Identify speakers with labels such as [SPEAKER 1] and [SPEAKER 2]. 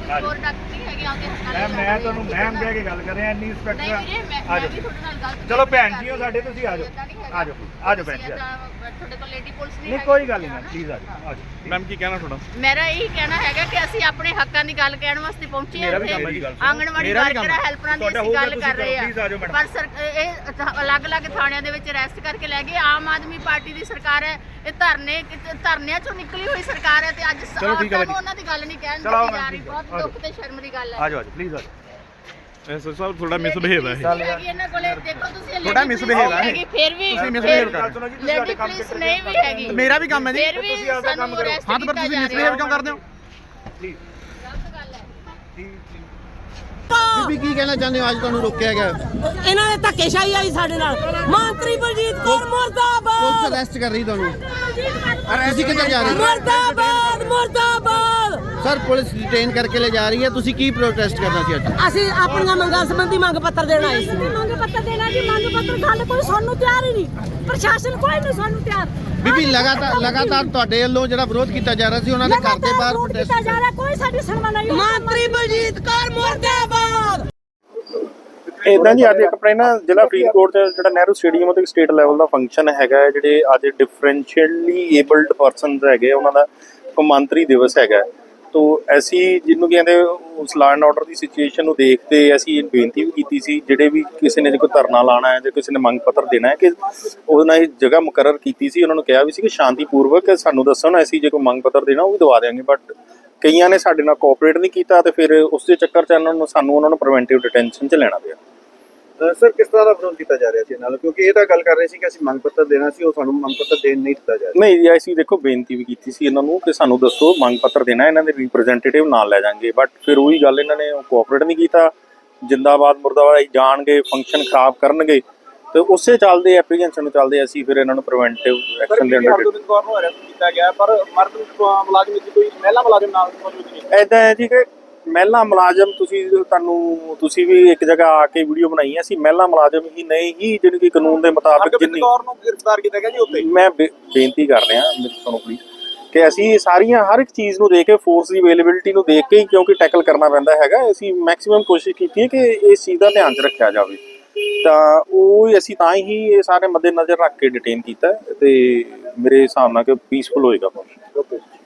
[SPEAKER 1] ਹੋਰ ਡਾਕਟਰ ਨਹੀਂ ਹੈਗੇ ਆਉਂਦੇ ਹਸਪਤਾਲ।
[SPEAKER 2] ਮੈਂ ਤੁਹਾਨੂੰ ਮੈਮ ਕਹਿ ਕੇ ਗੱਲ ਕਰ ਰਿਹਾ ਇੰਨੀ ਇੰਸਪੈਕਟਰ
[SPEAKER 1] ਨਹੀਂ ਵੀਰੇ ਮੈਂ ਵੀ ਤੁਹਾਡੇ ਨਾਲ ਗਲਤ
[SPEAKER 2] ਚਲੋ ਭੈਣ ਜੀ ਹੋ ਸਾਡੇ, ਤੁਸੀਂ ਆ ਜਾਓ ਆ ਜਾਓ ਆ ਜਾਓ ਭੈਣ ਜੀ
[SPEAKER 1] ਤੁਹਾਡੇ ਕੋਲ ਲੇਡੀ ਪੁਲਿਸ
[SPEAKER 2] ਨਹੀਂ ਕੋਈ ਗੱਲ ਨਹੀਂ ਪਲੀਜ਼ ਆ ਜਾਓ
[SPEAKER 3] ਮੈਮ ਕੀ ਕਹਿਣਾ ਤੁਹਾਡਾ?
[SPEAKER 1] ਮੇਰਾ ਇਹੀ ਕਹਿਣਾ ਹੈਗਾ ਕਿ ਅਸੀਂ ਆਪਣੇ ਹੱਕਾਂ ਦੀ ਗੱਲ ਕਹਿਣ ਵਾਸਤੇ ਪਹੁੰਚੇ ਹਾਂ ਇੱਥੇ। ਆਂਗਣਵਾੜੀ ਵਰਕਰਾਂ ਹੈਲਪਰਾਂ ਦੀ ਅਸੀਂ ਗੱਲ ਕਰ ਰਹੇ ਹਾਂ, ਪਰ ਇਹ ਅਲੱਗ-ਅਲੱਗ ਥਾਣਿਆਂ ਦੇ ਵਿੱਚ ਅਰੈਸਟ ਕਰਕੇ ਲੈ ਗਏ। ਆਮ ਆਦਮੀ ਪਾਰਟੀ ਦੀ ਸਰਕਾਰ ਹੈ, ਇਹ ਧਰਨਿਆਂ ਚੋਂ ਨਿਕਲੀ ਹੋਈ ਸਰਕਾਰ ਹੈ ਤੇ ਅੱਜ ਉਹਨਾਂ ਦੀ ਗੱਲ ਨਹੀਂ ਕਹਿਣ ਦਿੱਤੀ ਜਾ ਰਹੀ। ਬਹੁਤ ਦੁੱਖ ਤੇ ਸ਼ਰਮ ਦੀ ਗੱਲ ਹੈ।
[SPEAKER 2] ਆ ਜਾਓ ਪਲੀਜ਼ ਆ ਜਾਓ।
[SPEAKER 3] ਐਸਐਸ ਸਾਹਿਬ ਥੋੜਾ ਮਿਸਬਿਹੇਵ ਹੈ
[SPEAKER 1] ਇਹਨਾਂ ਕੋਲੇ ਦੇਖੋ ਤੁਸੀਂ
[SPEAKER 3] ਥੋੜਾ ਮਿਸਬਿਹੇਵ ਹੈ
[SPEAKER 1] ਫਿਰ ਵੀ
[SPEAKER 3] ਤੁਸੀਂ ਮਿਸਬਿਹੇਵ ਕਰ
[SPEAKER 1] ਲੇਡੀ ਪੁਲਿਸ ਨਹੀਂ ਵੀ ਹੈਗੀ।
[SPEAKER 3] ਮੇਰਾ ਵੀ ਕੰਮ ਹੈ ਜੀ।
[SPEAKER 1] ਫਿਰ ਵੀ ਸਾਨੂੰ ਅਰੈਸਟ
[SPEAKER 3] ਹਾਂ ਤਾਂ ਪਰ ਤੁਸੀਂ ਮਿਸਬਿਹੇਵ ਕਿਉਂ ਕਰਦੇ ਹੋ?
[SPEAKER 2] ਪਲੀਜ਼
[SPEAKER 1] ਗਲਤ ਗੱਲ ਹੈ।
[SPEAKER 4] ਬੀਬੀ ਕੀ ਕਹਿਣਾ ਚਾਹੁੰਦੇ ਹੋ? ਅੱਜ ਤੁਹਾਨੂੰ ਰੋਕਿਆ ਗਿਆ,
[SPEAKER 5] ਇਹਨਾਂ ਨੇ ਧੱਕੇਸ਼ਾਹੀ ਆਈ ਸਾਡੇ ਨਾਲ। ਮੰਤਰੀ ਬਲਜੀਤ ਕੌਰ ਮੁਰਦਾਬਾਦ,
[SPEAKER 4] ਪੁਲਿਸ ਅਰੈਸਟ ਕਰ ਰਹੀ ਤੁਹਾਨੂੰ। ਤੁਸੀਂ ਕਿੱਥੇ ਜਾ ਰਹੇ ਹੋ?
[SPEAKER 5] ਮੁਰਦਾਬਾਦ ਮੁਰਦਾਬਾਦ।
[SPEAKER 4] ਸਰ ਪੁਲਿਸ ਡਿਟੇਨ ਕਰਕੇ ਲੈ ਜਾ ਰਹੀ ਹੈ, ਤੁਸੀਂ ਕੀ ਪ੍ਰੋਟੈਸਟ ਕਰਨਾ ਸੀ ਅੱਜ?
[SPEAKER 5] ਅਸੀਂ ਆਪਣੀਆਂ ਮੰਗਾਂ ਸੰਬੰਧੀ ਮੰਗ ਪੱਤਰ ਦੇਣ ਆਏ ਸੀ। ਮੰਗ ਪੱਤਰ ਦੇਣਾ ਜੀ, ਮੰਗ ਪੱਤਰ ਗੱਲ ਕੋਈ ਸਾਨੂੰ ਤਿਆਰ ਹੀ ਨਹੀਂ। ਪ੍ਰਸ਼ਾਸਨ ਕੋਈ ਨਹੀਂ ਸਾਨੂੰ ਤਿਆਰ।
[SPEAKER 4] ਬੀਬੀ ਲਗਾਤਾਰ ਤੁਹਾਡੇ ਵੱਲੋਂ ਜਿਹੜਾ ਵਿਰੋਧ ਕੀਤਾ ਜਾ ਰਿਹਾ ਸੀ, ਉਹਨਾਂ ਦੇ ਘਰ ਦੇ ਬਾਹਰ ਪ੍ਰੋਟੈਸਟ
[SPEAKER 5] ਕੀਤਾ ਜਾ ਰਿਹਾ, ਕੋਈ ਸਾਡੀ ਸੁਣਵਾਈ ਨਹੀਂ। ਮੰਤਰੀ ਬਲਜੀਤ ਕੌਰ ਮੁਰਦਾਬਾਦ।
[SPEAKER 6] ਇਦਾਂ ਜੀ ਅੱਜ ਇੱਕ ਆਪਣੇ ਨਾ ਜ਼ਿਲ੍ਹਾ ਫਰੀਦਕੋਟ ਚ ਜਿਹੜਾ ਨਹਿਰੂ ਸਟੇਡੀਅਮ ਉੱਤੇ ਸਟੇਟ ਲੈਵਲ ਦਾ ਫੰਕਸ਼ਨ ਹੈਗਾ, ਜਿਹੜੇ ਅੱਜ ਡਿਫਰੈਂਸ਼ੀਅਲੀ ਏਬਲਡ ਪਰਸਨਸ ਹੈਗੇ ਉਹਨਾਂ ਦਾ ਕੌਮਾਂਤਰੀ ਦਿਵਸ ਹੈਗਾ। ਤੋ ਅਸੀਂ ਜਿਹਨੂੰ ਕਹਿੰਦੇ ਉਸ ਲਾਅ ਐਂਡ ਆਰਡਰ ਦੀ ਸਿਚੁਏਸ਼ਨ ਨੂੰ ਦੇਖਦੇ ਅਸੀਂ ਬੇਨਤੀ ਵੀ ਕੀਤੀ ਸੀ, ਜਿਹੜੇ ਵੀ ਕਿਸੇ ਨੇ ਜੇ ਕੋਈ ਧਰਨਾ ਲਾਉਣਾ ਹੈ ਜਾਂ ਕਿਸੇ ਨੇ ਮੰਗ ਪੱਤਰ ਦੇਣਾ ਹੈ ਕਿ ਉਹਦੇ ਨਾਲ ਇਹ ਜਗ੍ਹਾ ਮੁਕਰਰ ਕੀਤੀ ਸੀ। ਉਹਨਾਂ ਨੂੰ ਕਿਹਾ ਵੀ ਸੀ ਕਿ ਸ਼ਾਂਤੀਪੂਰਵਕ ਸਾਨੂੰ ਦੱਸੋ ਨਾ, ਅਸੀਂ ਜੇ ਕੋਈ ਮੰਗ ਪੱਤਰ ਦੇਣਾ ਉਹ ਵੀ ਦਵਾ ਦਿਆਂਗੇ। ਬਟ ਕਈਆਂ ਨੇ ਸਾਡੇ ਨਾਲ ਕੋਆਪਰੇਟ ਨਹੀਂ ਕੀਤਾ ਤੇ ਫਿਰ ਉਸ ਦੇ ਚੱਕਰ 'ਚ ਉਹਨਾਂ ਨੂੰ ਪ੍ਰੀਵੈਂਟਿਵ ਡਿਟੈਂਸ਼ਨ 'ਚ ਲੈਣਾ ਪਿਆ।
[SPEAKER 7] ਸਰ ਕਿਸ ਤਰ੍ਹਾਂ ਦਾ ਵਿਰੋਧ ਕੀਤਾ ਜਾ ਰਿਹਾ ਸੀ ਨਾਲ, ਕਿਉਂਕਿ ਇਹ ਤਾਂ ਗੱਲ ਕਰ ਰਹੇ ਸੀ ਕਿ ਅਸੀਂ ਮੰਗ ਪੱਤਰ ਦੇਣਾ ਸੀ, ਉਹ ਸਾਨੂੰ ਮੰਗ ਪੱਤਰ ਦੇਣ ਨਹੀਂ ਦਿੱਤਾ ਜਾ ਰਿਹਾ।
[SPEAKER 6] ਨਹੀਂ ਜੀ, ਅਸੀਂ ਦੇਖੋ ਬੇਨਤੀ ਵੀ ਕੀਤੀ ਸੀ ਇਹਨਾਂ ਨੂੰ ਕਿ ਸਾਨੂੰ ਦੱਸੋ ਮੰਗ ਪੱਤਰ ਦੇਣਾ, ਇਹਨਾਂ ਦੇ ਰਿਪਰੈਜ਼ੈਂਟੇਟਿਵ ਨਾਲ ਲੈ ਜਾਾਂਗੇ। ਬਟ ਫਿਰ ਉਹੀ ਗੱਲ, ਇਹਨਾਂ ਨੇ ਕੋਆਪਰੇਟ ਨਹੀਂ ਕੀਤਾ। ਜਿੰਦਾਬਾਦ ਮੁਰਦਾਬਾਦ ਜਾਣਗੇ, ਫੰਕਸ਼ਨ ਖਰਾਬ ਕਰਨਗੇ ਤੇ ਉਸੇ ਚੱਲਦੇ ਐਪਲੀਕੇਸ਼ਨ ਨੂੰ ਚੱਲਦੇ ਅਸੀਂ ਫਿਰ ਇਹਨਾਂ ਨੂੰ ਪ੍ਰੀਵੈਂਟਿਵ ਐਕਸ਼ਨ ਦੇ ਅੰਡਰ
[SPEAKER 7] ਕੀਤਾ ਗਿਆ। ਪਰ ਮਰਦ ਮੁਲਾਜ਼ਮ ਵਿੱਚ ਕੋਈ ਮਹਿਲਾ ਮੁਲਾਜ਼ਮ ਨਾਲ ਮੌਜੂਦ ਨਹੀਂ।
[SPEAKER 6] ਇਦਾਂ ਹੈ ਜੀ ਕਿ ਮਹਿਲਾ ਮੁਲਾਜ਼ਮ ਤੁਸੀਂ ਵੀ ਇੱਕ ਜਗ੍ਹਾ ਆ ਕੇ ਵੀਡੀਓ ਬਣਾਈ ਹੈ, ਅਸੀਂ ਮਹਿਲਾ ਮੁਲਾਜ਼ਮ ਹੀ ਨਹੀਂ ਹੀ ਜਿਹੜੀ ਕਿ ਕਾਨੂੰਨ ਦੇ ਮੁਤਾਬਿਕ ਜਿੰਨੀ
[SPEAKER 7] ਨੂੰ ਗ੍ਰਿਫਤਾਰ ਕੀਤਾ ਗਿਆ ਜੀ ਉੱਤੇ।
[SPEAKER 6] ਮੈਂ ਬੇਨਤੀ ਕਰ ਰਿਹਾ ਤੁਹਾਨੂੰ ਪਲੀਜ਼ ਕਿ ਅਸੀਂ ਸਾਰੀਆਂ ਹਰ ਇੱਕ ਚੀਜ਼ ਨੂੰ ਦੇਖ ਕੇ, ਫੋਰਸ ਦੀ ਅਵੇਲੇਬਿਲਿਟੀ ਨੂੰ ਦੇਖ ਕੇ ਹੀ ਕਿਉਂਕਿ ਟੈਕਲ ਕਰਨਾ ਪੈਂਦਾ ਹੈਗਾ, ਅਸੀਂ ਮੈਕਸਿਮਮ ਕੋਸ਼ਿਸ਼ ਕੀਤੀ ਹੈ ਕਿ ਇਸ ਚੀਜ਼ ਦਾ ਧਿਆਨ 'ਚ ਰੱਖਿਆ ਜਾਵੇ। ਤਾਂ ਉਹ ਅਸੀਂ ਤਾਂ ਹੀ ਇਹ ਸਾਰੇ ਮੱਦੇ ਨਜ਼ਰ ਰੱਖ ਕੇ ਡਿਟੇਨ ਕੀਤਾ ਤੇ ਮੇਰੇ ਹਿਸਾਬ ਨਾਲ ਕਿ ਪੀਸਫੁਲ ਹੋਏਗਾ।